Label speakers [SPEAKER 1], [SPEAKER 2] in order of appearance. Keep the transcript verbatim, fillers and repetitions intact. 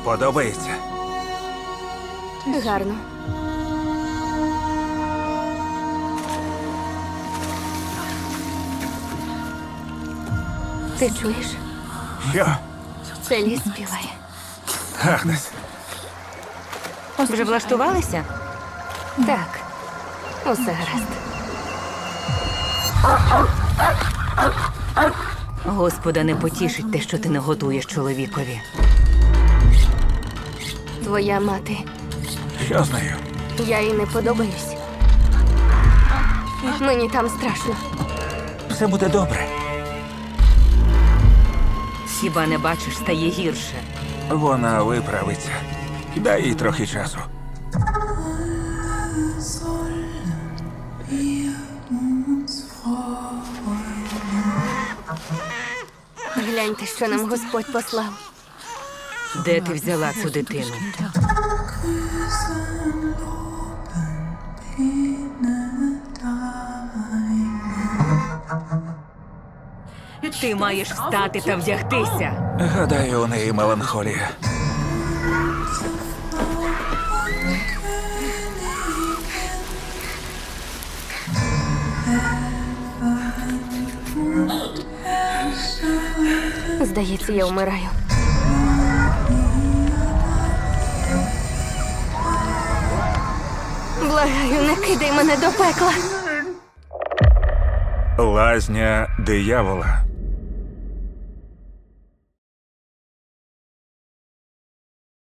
[SPEAKER 1] Подобається?
[SPEAKER 2] Гарно. Ти чуєш?
[SPEAKER 1] Що?
[SPEAKER 2] Це ліс співає.
[SPEAKER 1] Агнес,
[SPEAKER 3] Вже влаштувалися?
[SPEAKER 2] Так, усе гаразд.
[SPEAKER 3] Господа не потішить те, що ти не готуєш чоловікові.
[SPEAKER 2] Твоя мати.
[SPEAKER 1] що з нею?
[SPEAKER 2] Я їй не подобаюсь. Мені там страшно.
[SPEAKER 1] Все буде добре.
[SPEAKER 3] Хіба не бачиш, стає гірше.
[SPEAKER 1] Вона виправиться. Дай їй трохи часу.
[SPEAKER 2] Гляньте, що нам Господь послав.
[SPEAKER 3] Де ти взяла цю дитину? Ти маєш встати та вдягтися.
[SPEAKER 1] Гадаю, у неї меланхолія.
[SPEAKER 2] Здається, я вмираю. Благаю, не кидай мене до пекла.
[SPEAKER 1] Лазня диявола.